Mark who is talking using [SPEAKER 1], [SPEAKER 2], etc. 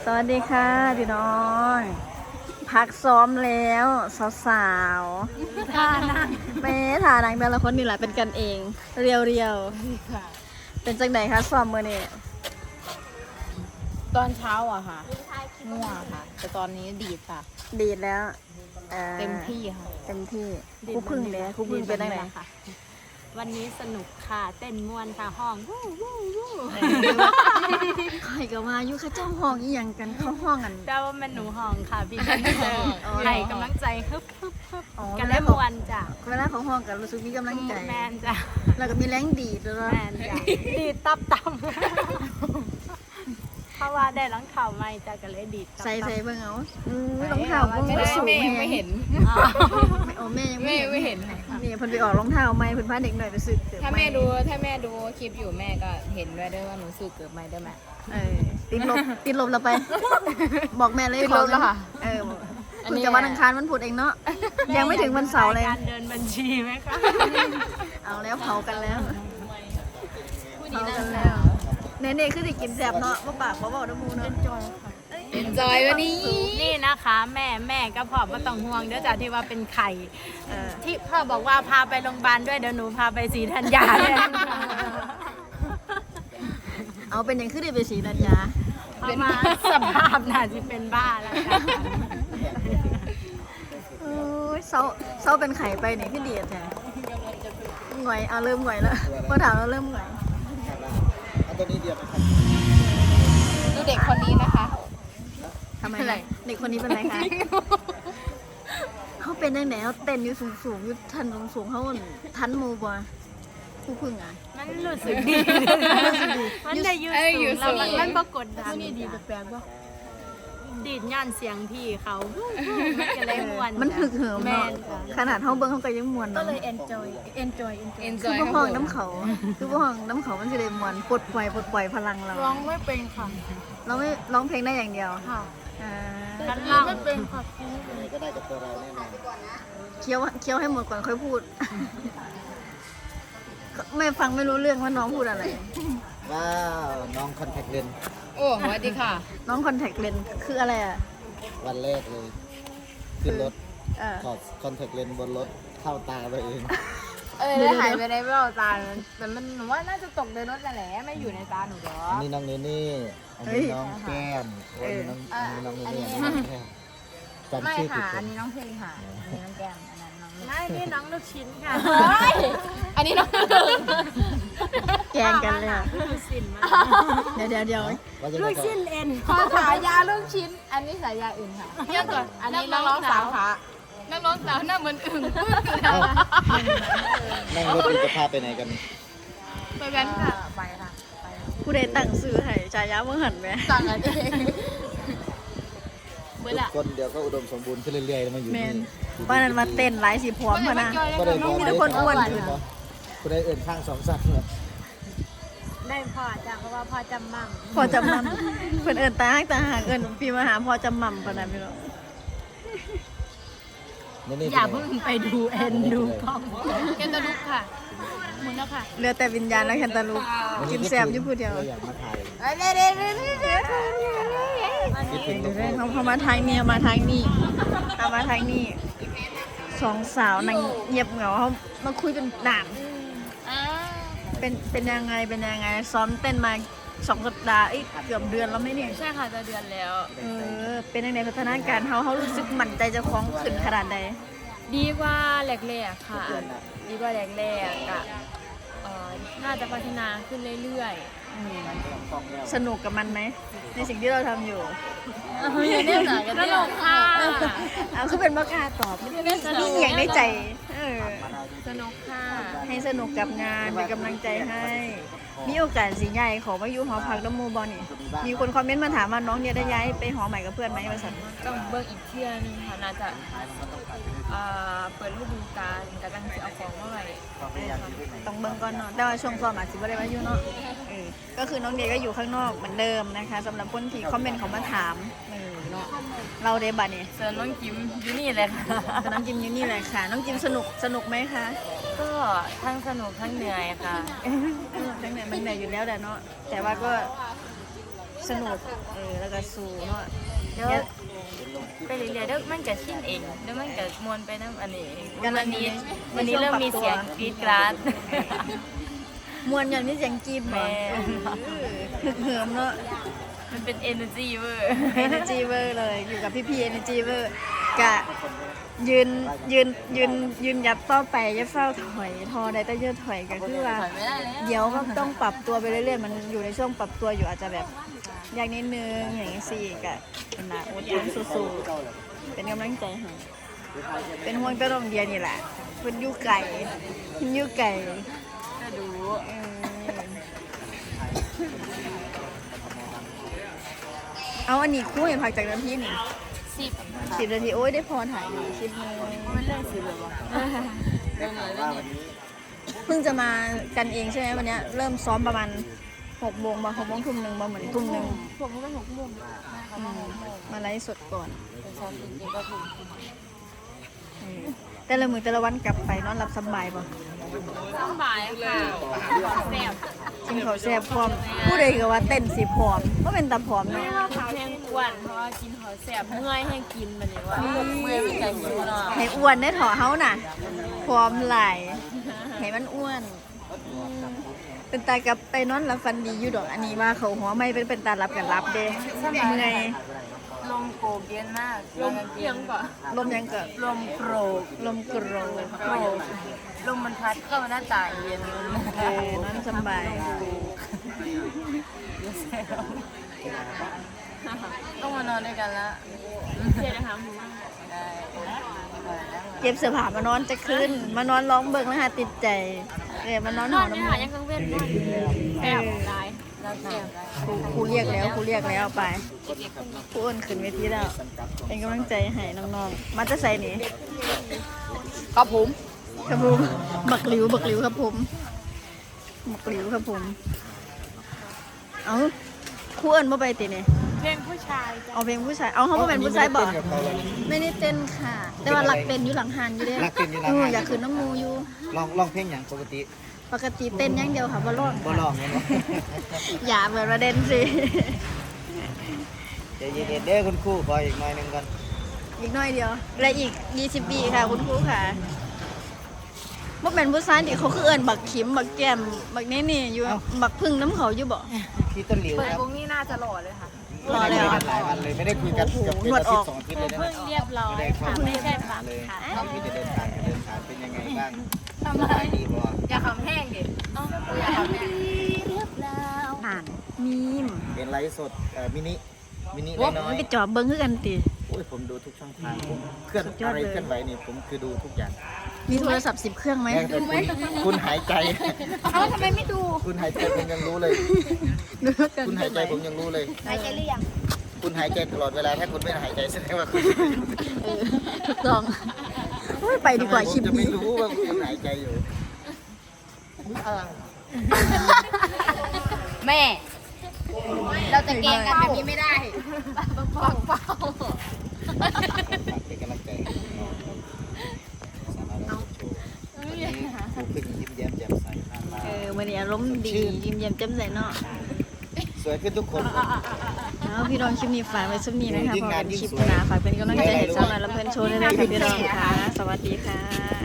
[SPEAKER 1] สวัสดีค่ะพี่น้องพักซ้อมแล้วสาวๆท่านั่งแม่ท่านั่งแต่ละคนนี่แหละเป็นกันเองเรียวๆเป็นจังไหนคะซ้อมมื้อนี้
[SPEAKER 2] ตอนเช้าอะค่ะง่วงค่ะ แต่ตอนนี้ดีดค่ะ
[SPEAKER 1] ดีดแล้ว
[SPEAKER 2] เต็มที่ค่ะ
[SPEAKER 1] เต็มที่ครูพึ่งเลยครูพึ่งเป็นจังไหน
[SPEAKER 3] ค่ะวันนี้สนุกค่ะเต้นม่วนค่ะห้องวู้วู้วู้
[SPEAKER 1] ใครก็มาอยู่เข้าเจ้าห้องอีหยังกันเข้าห้องกัน
[SPEAKER 3] แต่ว่ามันหนูห้องค่ะพี่กันเจอให้กำลังใจฮึบฮึบฮึบ
[SPEAKER 1] อ๋อ
[SPEAKER 3] กันได้ม่วนจ้ะ
[SPEAKER 1] เวลาของห้องกันรู้สึกมีกำลังใจ
[SPEAKER 3] แมนจ้ะ
[SPEAKER 1] แล้วก็มีแรงดีดด้วย
[SPEAKER 3] แมนจ้ะดีดตับตับเพราะว่าได้รองเท้าใหม่จ้ะก็เลยดีดตับ
[SPEAKER 1] ใส่
[SPEAKER 3] ตับ
[SPEAKER 1] เบิ่งเอารองเท้าเบิ่งว่าสูง
[SPEAKER 2] แม่ยังไม่เห็น
[SPEAKER 1] โอ้แม่ยัง
[SPEAKER 2] แม่
[SPEAKER 1] ไม่
[SPEAKER 2] ไม่
[SPEAKER 1] เห็น
[SPEAKER 2] เห็น
[SPEAKER 1] นี่เพิ่นไปออกรองเท้าใหม่เพิ่นพาเด็กหน่อยไปซื้อเกือบ
[SPEAKER 2] ถ้า
[SPEAKER 1] ให
[SPEAKER 2] แม่ดูคลิปอยู่แม่ก็เห็นด้วยว่าหนูซื้อเกือบไม่ได้ไหม
[SPEAKER 1] ติดลบเราไป บอกแม่เลย
[SPEAKER 2] ติดลบแล้วค่ะ
[SPEAKER 1] เพิ่งจะวันอังคารวันพุธเองเนาะยังไม่ถึงวันเสาร์เลย
[SPEAKER 3] การเดินบัญชีไหมคะ
[SPEAKER 1] เอาแล้วเผากันแล้วเผากันแล้วเน่ๆคือสิกินแซ่บเนาะบ่ปากบ่เว้าน้ำมูเนาะ
[SPEAKER 2] เอ็นจอยวันนี้
[SPEAKER 3] นี่นะคะแม่ก็พอไม่ต้องห่วงเดี๋ยวจ้ะที่ว่าเป็นไข่
[SPEAKER 1] เออ
[SPEAKER 3] ที่พ่อบอกว่าพาไปโรงพยาบาลด้วยเดี๋ยวหนูพาไปศรีธัญญาเลย
[SPEAKER 1] เอาเป็นหยังคือได้ไปสีนัญญา
[SPEAKER 3] เพราะมาสภาพน่าจะเป็นบ้าแล้วค่ะ
[SPEAKER 1] โอ้ยเซาเป็นไข่ไปนี่คือดีแท้หงอยเอาเริ่มหงอยแล้วพอถามเราเริ่มหงอย
[SPEAKER 4] เอาตัวนี้เดียวไหมครับ
[SPEAKER 2] ดูเด็กคนนี้นะคะ
[SPEAKER 1] ทำไมล่ะเด็กคนนี้เป็นไรคะเขาเป็นยังไงเขาเต้นอยู่สูงๆอยู่ทันสูงๆเขาทันหมูบ่ผู้พึ่งอ่ะ
[SPEAKER 3] มันรู้สึกดีมันได้ยืดสูงแล้วมันปรากฏดังนี่ดีแปลกว่าดีดย่านเสียงพี่เขามันจะเลยม่วน
[SPEAKER 1] มันถึกเหิม
[SPEAKER 3] แม
[SPEAKER 1] เนาะ
[SPEAKER 3] นจ้ะ
[SPEAKER 1] ขนาดเขาเบิ้งเขาก็ยังมวน
[SPEAKER 3] ก็
[SPEAKER 1] เนาะ
[SPEAKER 3] เลย enjoy
[SPEAKER 2] เอ็น
[SPEAKER 1] คื
[SPEAKER 2] จ
[SPEAKER 1] อ
[SPEAKER 2] อย
[SPEAKER 1] พวกห้องน้ำเขาคือพวกห้องน้ำเขามันจะได้มวนปลดปล่อยพลังเรา
[SPEAKER 2] ร้องไม่เป็นค่ะ
[SPEAKER 1] เราไม่ร้องเพลงได้อย่างเดียว
[SPEAKER 2] ค่ะ
[SPEAKER 1] อ่า
[SPEAKER 3] ชั้นล่าง
[SPEAKER 2] ไม่เป็นค่ะ
[SPEAKER 4] ยังไงก็ได้กับตัวเราแน่นอน
[SPEAKER 1] เคี้ยวให้หมดก่อนค่อยพูด ไม่ฟังไม่รู้เรื่องว่าน้องพูดอะไร
[SPEAKER 4] ว้าวน้องคอนแทคเลนส์
[SPEAKER 2] โอ้สวัสดีค่ะ
[SPEAKER 1] น้องคอนแทคเลนส์คืออะไรอ่ะ
[SPEAKER 4] วันแรกเลย ขึ้นรถ
[SPEAKER 1] เออ
[SPEAKER 4] ถอดคอนแทคเลนส์บนรถเข้าตาตัวเอง
[SPEAKER 2] ได้หายไปในแววตาแต่มันหนูว่าน่าจะตกในรถนั่นแหละไม่อยู่ในตาหนูหรอ
[SPEAKER 4] อันนี้น้องเนเน่อันนี้น้องแก้มอันนี้น้องเนเน่อันนี้น้องแก้มจำ
[SPEAKER 2] ไม่
[SPEAKER 4] ชื่อผิด
[SPEAKER 2] ค่ะ
[SPEAKER 4] ค
[SPEAKER 2] อั
[SPEAKER 4] น
[SPEAKER 2] นนี้น้องเพลงค่ะอันนี้น้องแก้มอันนั้นน้อง
[SPEAKER 3] ไม่นี่น้องลูกชิ้นค่ะ
[SPEAKER 2] อันนี้น้อง
[SPEAKER 1] แกล้งกันเลยอะ
[SPEAKER 3] ลูกชิ้นมา
[SPEAKER 1] เดี๋ยว
[SPEAKER 4] ว่าจะ
[SPEAKER 3] ลู
[SPEAKER 4] ได้
[SPEAKER 3] กชิ้นเอ็น
[SPEAKER 2] ขอฉายาลูกชิ้น อันนี้ฉายาอื่นค่ะเรียกก่อนอันนี้นักร้องสาวค่ะนักร้องสาวหน้าเหมือนอึ่ง
[SPEAKER 4] นั่งรถอยู่จะพาไปไหนกัน
[SPEAKER 2] ไปกันค่ะไปค่ะ
[SPEAKER 1] ผู้ใดตั้งซื้อให้ชายาเมื่อหันไหม
[SPEAKER 2] สั่งกันเอง
[SPEAKER 4] ทุกคนเดี๋ยวก็อุดมสมบูรณ์ขึ้นเรื่อยๆมาอยู่
[SPEAKER 1] แม
[SPEAKER 4] นี่
[SPEAKER 1] นวันนั้นมาเต้นหลายสีพร้อมพะนะ
[SPEAKER 4] ก็ได้บอก
[SPEAKER 1] มีแต่คนอ้วนอยู่
[SPEAKER 4] กูได้เอื่นข้างสองสัตว์เลย
[SPEAKER 3] ได้พ่อจ้ะเพราะว่าพ่อจำมั่ง
[SPEAKER 1] พอจำนำเพิ่นเอิญตาหากเอิญพี่มาหาพอจำมั่มปะนะพี่น้อง
[SPEAKER 3] อย่าเพิ่งไปดูเอ็นดูกล้อง
[SPEAKER 2] แกนตะลุกค่ะหมุนแล้วค่ะ
[SPEAKER 1] เหลือแต่วิญญาณและแคนตาลูปกินแซมอยู่ผู้เดียว
[SPEAKER 4] เราอยากมาถ่าย
[SPEAKER 2] เด้
[SPEAKER 4] คิดถึงลูก
[SPEAKER 1] เขามาทางนี้มาทางนี้เอามาทางนี้สองสาวนางเงียบเหงาเขามาคุยเป็นด่านเป็นยังไงซ้อมเต้นมา2 สัปดาห์เกือบเดือนแล้วไหมเนี่ย
[SPEAKER 2] ใช่ค่ะจะเดือนแล้ว
[SPEAKER 1] เป็นยังไงพัฒนาการเขารู้สึกมั่นใจเจะคล้าของขึ้นขนาดใด
[SPEAKER 5] ดีกว่าแรกๆค่ะ ดีกว่าแรกๆอะน่าจะพัฒนาขึ้นเรื่อย
[SPEAKER 1] สนุกกับมันไหมในสิ่งที่เราทำอยู่
[SPEAKER 5] ๆอย่าเล่นหนากันสนุกค่ะ
[SPEAKER 1] เอาคือเป็นบ้ากล้าตอบนี่อย่างในใจ
[SPEAKER 5] สนุกค่ะ
[SPEAKER 1] ให้สนุกกับงานเป็นกำลังใจให้ มีโอกาสสิใหญ่ขอมาอยู่หอพักน้ำมูบอนี่มีคนคอมเมนต์มาถามว่าน้องเนี่ยได้ย้ายไปหอใหม่กับเพื่อนไหมว่าสัน
[SPEAKER 5] ต้องเบิ่งอีกเที่ยนึงค่ะน่าจะเปิดฤดูกาลกำลังจะเอาของมาไว้ค่ะ
[SPEAKER 1] ต้องเบิ่งก่อนเนาะแต่ว่าช่วงซ้อมอาจสิบ่ได้มาอยู่เนาะก็คือน้องเดียก็อยู่ข้างนอกเหมือนเดิมนะคะสำหรับคนที่คอมเมนต์เขามาถามเนาะเราเดบัตนี่
[SPEAKER 5] ส่วนน้องกิมอยู่นี่เลยค่ะ
[SPEAKER 1] แต่น้องจิมอยู่นี่แหละค่ะ น้องจิมสนุกไหมคะ
[SPEAKER 5] ก็ทั้งสนุกทั้งเหนื่อยค่ะ
[SPEAKER 1] ทั้งเหนื่อยมันเหนื่อยอยู่แล้วแหละเนาะแต่ว่าก็สนุกแล้วก็สู้เนาะ
[SPEAKER 5] เดี๋ยวไปเรื่อยๆเดี๋ยวมันก็ชินเองเดี๋ยวมันก็มวนไปน้ำอันนี้เองวันนี้เริ่มมีเสียงกรี๊ดกราด
[SPEAKER 1] มวนอย่างนี้เสียงกรีบ
[SPEAKER 5] แม่
[SPEAKER 1] เหิมเนาะ
[SPEAKER 5] มันเป็น energy เวอร์
[SPEAKER 1] energy เวอร์เลยอยู่กับพี่ energy เวอร์กะยืนยัดต่อไปอย่าเฝ้าถอยทอได้แต่เยอะถอยก็คือว่า
[SPEAKER 5] ถอยไม่ได้แล้ว
[SPEAKER 1] เดี๋ยวก็ต้องปรับตัวไปเรื่อยๆมันอยู่ในช่วงปรับตัวอยู่อาจจะแบบยากนิดนึงอย่างนี้สิกะเป็นหนาอดทนสู้ๆเป็นกำลังใจให้เป็นห่วงแตะลองเดียนี่แหละเพิ่นอยู่ไก่เพิ่นอยู่ไก่
[SPEAKER 5] ก็ดู
[SPEAKER 1] เอาอันนี้คู่เห็นผักจากน้ำพี่นี่ 10 นาทีโอ้ยได้พอถ่ายอยู่10 โมง
[SPEAKER 5] มันเรื่องสิเลยวะเรื่องไหนเรื่องนี้
[SPEAKER 1] เพิ่งจะมากันเองใช่ไหมวันเนี้ยเริ่มซ้อมประมาณ6 โมงมา6 โมงทุ่มหนึ่งมาเหมือนทุ่มหนึ่ง
[SPEAKER 5] ผมก็6 โมง
[SPEAKER 1] มาไลฟ์สดก่อน
[SPEAKER 5] แต่ซ้อมจริงๆก็ถูก
[SPEAKER 1] แต่ละมือแต่ละวันกลับไปนอนหลับสบายป่ะ
[SPEAKER 5] สบายค่ะแซ่บ
[SPEAKER 1] กินข้าวแซ่บพร้อมผู้ใดก็ว่าเต้นสิพร้อมเพราะเป็นตาพร้อมเนาะ
[SPEAKER 5] แห้งอ้วนเพราะว่ากินหอแซ่บเมื่อยแห้งกินมันนี่ว่าเมื่อยเป็นไก่หิวเนาะ
[SPEAKER 1] ให้อ้วนได้ถอเฮาน่ะพร้อมหลายให้มันอ้วนเป็นตากับไปนอนหลับฟันดีอยู่ดอกอันนี้ว่าเขาหัวไม่เป็นตารับกันรับเด้เมื่อย
[SPEAKER 5] ลมโกกเย็นมากลมเพียงก่อน
[SPEAKER 1] ลมยังเกิด
[SPEAKER 5] ลมโกรก
[SPEAKER 1] ลมกรโ
[SPEAKER 5] โกรกลมมันพัดเข้ามาหน้าต่างเย็น
[SPEAKER 1] นอนสบาย
[SPEAKER 5] ต้องมานอนด้วยกันละเดี๋ยวนะคะได้
[SPEAKER 1] เก็บเสื้อผ้ามานอนจะขึ้นมานอนร้องเบิ่งแล้วหาติดใจมานอนหอน้ำมัน
[SPEAKER 5] ยังกังเว้นแซ่บได้แล้วแซ่บได้
[SPEAKER 1] ครูเรียกแล้วไปครูอ้นขึ้นเวทีแล้วเป็นกำลังใจให้น้องๆมาจะใส่นี่
[SPEAKER 2] ครับผม
[SPEAKER 1] ครับผมบักหลิวครับผมบักหลิวครับผมเอ้าครูอ้นมาไปติเนี่ย
[SPEAKER 5] เพลงผู้ชายจ้ะ
[SPEAKER 1] เอาเพลงผู้ชายเอาเขามาเป็นผู้ชายบอกไม่ได้เต้นค่ะ แต่ว่าหลักเต้นอยู่หลังหันอยู่เด้
[SPEAKER 4] รักเป็นอยู่หลังหัน
[SPEAKER 1] อยากขึ้นน้ำมูอยู่
[SPEAKER 4] ลองเพลงอย่างปกติ
[SPEAKER 1] ปกติเต้นอย่างเดียวค่ะบ่ร้อง
[SPEAKER 4] บ่ลองเลยเนาะ
[SPEAKER 1] อย่าเปิดประเด็นสิ
[SPEAKER 4] ใจเย็นๆเด้อคุณครูขออีกหน่อยหนึงก่อน
[SPEAKER 1] อีกหน่อยเดียวและอีก20 ปีค่ะคุณครูค่ะบ่เป็นผู้ชายที่เขาคือเอิ้นบักขิมบักแก้มบักนี่อยู่บักพึ่งน้ำเขาอยู่บ่
[SPEAKER 4] พี่ต้นหลิว
[SPEAKER 5] เปิด
[SPEAKER 4] ครับ
[SPEAKER 5] วงนี้น่าจะหล่อเลยค่ะ
[SPEAKER 1] รอแล้ว
[SPEAKER 4] ไม่ได้คุยกันหลายวันเลยไม่ได้คุยกันเกือบเป็นอาทิตย์2 อาทิตย์เลยนะ
[SPEAKER 5] เพิ่งเรียบร้อยค่ะไม่ใช่ปัก
[SPEAKER 4] เลย
[SPEAKER 5] ค่ะ
[SPEAKER 4] พี่จะเดินทางเป็นยังไงบ้างสบายดีบ่
[SPEAKER 5] อย่าขำแห้งดิอย่าขำแห้ง
[SPEAKER 1] อ่านมีม
[SPEAKER 4] เป็นไลฟ์สดมินิ
[SPEAKER 1] โอ้
[SPEAKER 4] น้อย
[SPEAKER 1] มันก็จอบเบิ่งคือกันติ
[SPEAKER 4] ๆโอ้ยผมดูทุกช่องทางผมเคลื่อน
[SPEAKER 1] สุดยอด
[SPEAKER 4] อะไร
[SPEAKER 1] เลย
[SPEAKER 4] เคลื่อนไหวนี่ผมคือดูทุกอย่าง
[SPEAKER 1] มีโทรศัพท์10 เครื่องไหม
[SPEAKER 4] แม้แต่คุณหายใจ
[SPEAKER 5] เขาทำไมไม่ดู
[SPEAKER 4] คุณหายใจผมยังรู้เลย
[SPEAKER 1] ดูแล้วกัน
[SPEAKER 4] คุณหายใจผมยังรู้เลย
[SPEAKER 5] หายใจหรือยัง
[SPEAKER 4] คุณหายใจตลอดเวลาถ้าคุณไม่หายใจแสดงว่าคุณ
[SPEAKER 1] ถูกต้องโอ้ยไปดีกว่าคลิป
[SPEAKER 4] ผมจะ
[SPEAKER 1] นี้
[SPEAKER 4] ไม่รู้ว่าคุณหายใจอยู่
[SPEAKER 2] แม่ เราจะเกงกันแบบนี้ไม่ได้ปักเป้า
[SPEAKER 4] เป็นกำลังใจให้น้องสามารถรับชมวันนี้ครูขึ้นยิ้มแย้มแจ่มใสมากมา
[SPEAKER 1] มื้อนี้อารมณ์ดียิ้มแย้มแจ่มใสเนาะ
[SPEAKER 4] สวยขึ้นทุกคน
[SPEAKER 1] แล้วพี่น้องคลิปนี้ฝากไว้สักนี้นะคะ
[SPEAKER 4] ยิ่ง
[SPEAKER 1] พอ
[SPEAKER 4] นา
[SPEAKER 1] เป็น น
[SPEAKER 4] ยิ่ง
[SPEAKER 1] คลิป
[SPEAKER 4] สวย
[SPEAKER 1] หน้าฝากเป็นกำลังใจให้สาวน้อยลำเพลินโชว์ด้วยนะคะพี่น้องค่ะ สวัสดีค่ะ